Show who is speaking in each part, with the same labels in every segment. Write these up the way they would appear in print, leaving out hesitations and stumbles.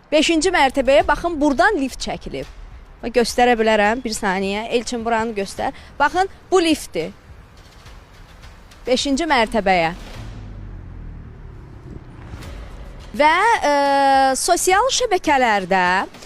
Speaker 1: 5-ci mərtəbəyə baxın, buradan lift çəkilib. Göstərə bilərəm, bir saniyə. Elçin buranı göstər. Baxın, bu liftdir. 5-ci mərtəbəyə. Və sosial şəbəkələrdə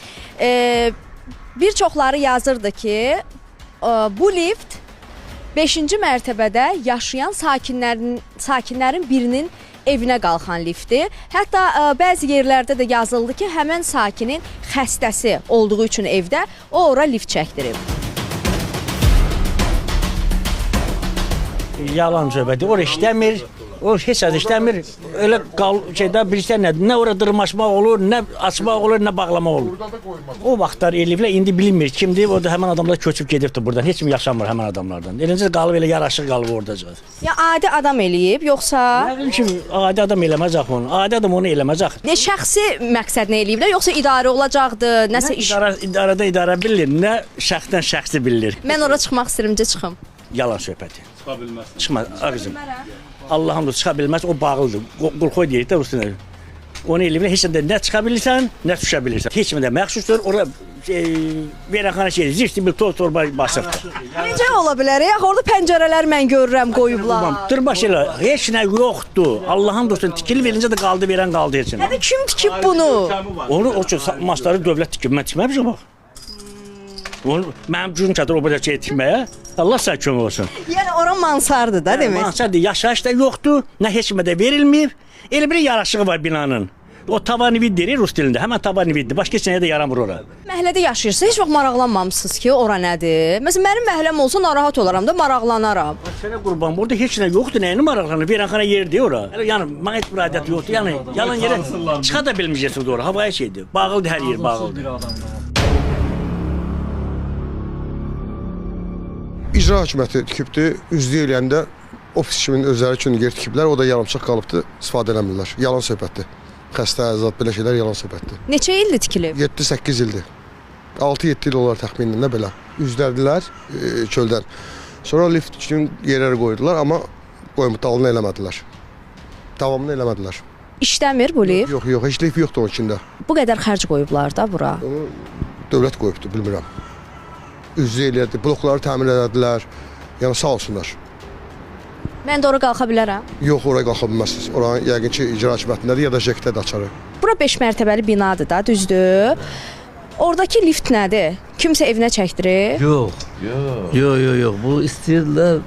Speaker 1: bir çoxları yazırdı ki, bu lift 5-ci mərtəbədə yaşayan sakinlərin birinin evinə qalxan liftdir. Hətta bəzi yerlərdə də yazıldı ki, həmən sakinin xəstəsi olduğu üçün evdə o ora lift çəkdirib.
Speaker 2: Yalan söhbəti, o işləmir, o heç az işləmir. Elə bilirsən nədir, nə ora dırmaşmaq olur, nə açmaq olur, nə bağlamaq olur. O vaxtlar eləyiblər, indi bilinmir kimdir, o da həmən adamlar köçüb gedibdir buradan, heç kim yaşamır həmən adamlardan. Elincə qalıb, elə yaraşıq qalıb orada.
Speaker 1: Ya adi adam eləyib, yoxsa?
Speaker 2: Nə bilim ki, adi adam eləməzək onu, adi adam onu eləməzək.
Speaker 1: Ne şəxsi məqsədlə eləyiblər, yoxsa idarə olacaqdı, nəsə iş?
Speaker 2: İdarədə idarə bilir, nə şəxsdən şəxsi bilir.
Speaker 1: Mən ora çıxmaq istəyirəm, çıxım.
Speaker 2: Yalan söhbəti. Çıxa bilməz. Çıxmaz, ağzım. Allah'ım da çıxa bilməz, o bağlıdır. Qulxoy deyir də üstünə. Onu eləyiblər, heç nə çıxa bilirsən, nə düşə bilirsən. Heç də məxsusdur, ora verəxana şeydir, zifti bir toz torba basıbdır.
Speaker 1: Necə ola bilər? Yaxı orada pəncərələr mən görürəm, qoyublar.
Speaker 2: Dırbaş elə, heç nə yoxdur. Allah'ım da üstünə tikili verincə də qaldı, verən qaldı heç nə.
Speaker 1: Hədə kim tikib bunu?
Speaker 2: Onu, o üçün maçları dövlət tikib, mən tikməmişəm bax. Mənim gücüm çatır o qədər şey tikməyə. Allah sənə kömək olsun.
Speaker 1: Yəni ora mansardır da demək.
Speaker 2: Mansardır, yaşayış da yoxdur, nə heç kimə də verilməyib. Elə bir yaraşığı var binanın. O tavan evi deyir rus dilində, həmən tavan evidir. Başqa heç nəyə də yaramır ora.
Speaker 1: Məhəllədə yaşayırsınız, heç vaxt maraqlanmamısınız ki, ora nədir? Məsələn, mənim məhləm olsa narahat olaram da, maraqlanaram.
Speaker 2: Sənə qurban, burada heç nə yoxdur, nəyini maraqlanır? Verənxana yeridir ora. Yəni, mənə heç bir adət yoxdur. Yəni, yalan yerə çıxa da bilməyəcəksiniz ora. Havaya şeydir. Bağlıdır, hər yer bağlıdır.
Speaker 3: İcra hakimiyyəti tikibdir, üzlü eləyəndə ofis kimin özləri üçün yer tikiblər, o da yarımçıq qalıbdır, istifadə eləmirlər. Yalan söhbətdir. Xəstə, əzad, belə şeylər yalan söhbətdir.
Speaker 1: Neçə ildir tikilib?
Speaker 3: 7-8 ildir. 6-7 il olar təxminində belə. Üzdərdilər çöldən. Sonra lift üçün yerləri qoydular, amma dalını eləmədilər. Davamını eləmədilər.
Speaker 1: İşləmir bu lift?
Speaker 3: Yox, heç lift yoxdur onun içində.
Speaker 1: Bu qədər xərc qoyublar da bura.
Speaker 3: Onu dövlət qoyubdur, bilmirəm. Üzlü eləyədi, blokları təmir edədilər, yəni sağ olsunlar.
Speaker 1: Mən də ora qalxa bilərəm?
Speaker 3: Yox, oraya qalxa bilməzsiniz. Oranın yəqin ki, icra hakimiyyətindədir ya da JEK-də də açarı.
Speaker 1: Bura 5 mərtəbəli binadır da, düzdür? Oradakı lift nədir? Kimsə evinə çəkdirir?
Speaker 4: Yox. Yox. Bu istəyirlər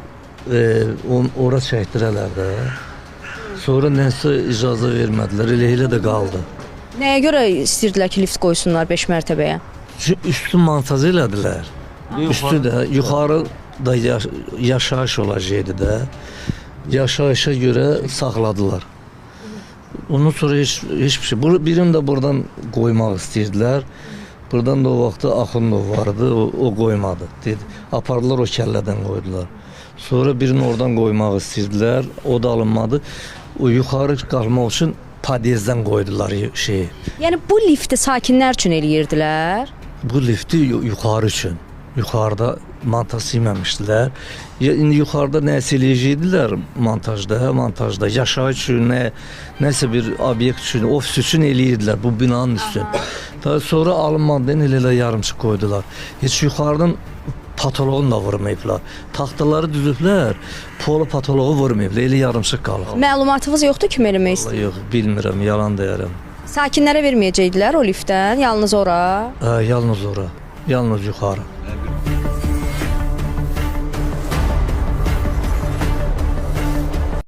Speaker 4: ora çəkdirələr də. Sonra nəsə icazə vermədilər, elə də qaldı.
Speaker 1: Nəyə görə istəyirdilər ki, lift qoysunlar 5 mərtəbəyə?
Speaker 4: Üstü montaj elədilər. Üstü də, yuxarı da yaşayış olacaqdı da. Yaşayışa görə saxladılar. Ondan sonra heç bir şey. Birini də buradan qoymaq istəyirdilər. Buradan da o vaxtda Axundov vardı, o qoymadı. Dedi, apardılar o kəllədən qoydular. Sonra birini oradan qoymaq istəyirdilər, o da alınmadı. O yuxarı qalmaq üçün padyezdən qoydular şeyi.
Speaker 1: Yəni bu lifti sakinlər üçün eləyirdilər?
Speaker 4: Bu lifti yuxarı üçün. Yuxarıda montaj silməmişdilər. İndi yuxarıda nəsə eləyəcəkdilər montajda. Yaşayış üçün, nəsə bir obyekt üçün, ofis üçün eləyirdilər bu binanın üstün. Daha sonra alınmadan elə yarımçıq qoydular. Heç yuxarıdan patoloğunu da vurmayıblar. Taxtaları düzüblər, polo patoloğu vurmayıblar. Elə yarımçıq qalıb.
Speaker 1: Məlumatınız yoxdur kim eləmək istəyir?
Speaker 4: Yox, bilmirəm, yalan deyərəm.
Speaker 1: Sakinlərə verməyəcəkdilər o liftdən, yalnız ora?
Speaker 4: Yalnız ora, yalnız yuxarı.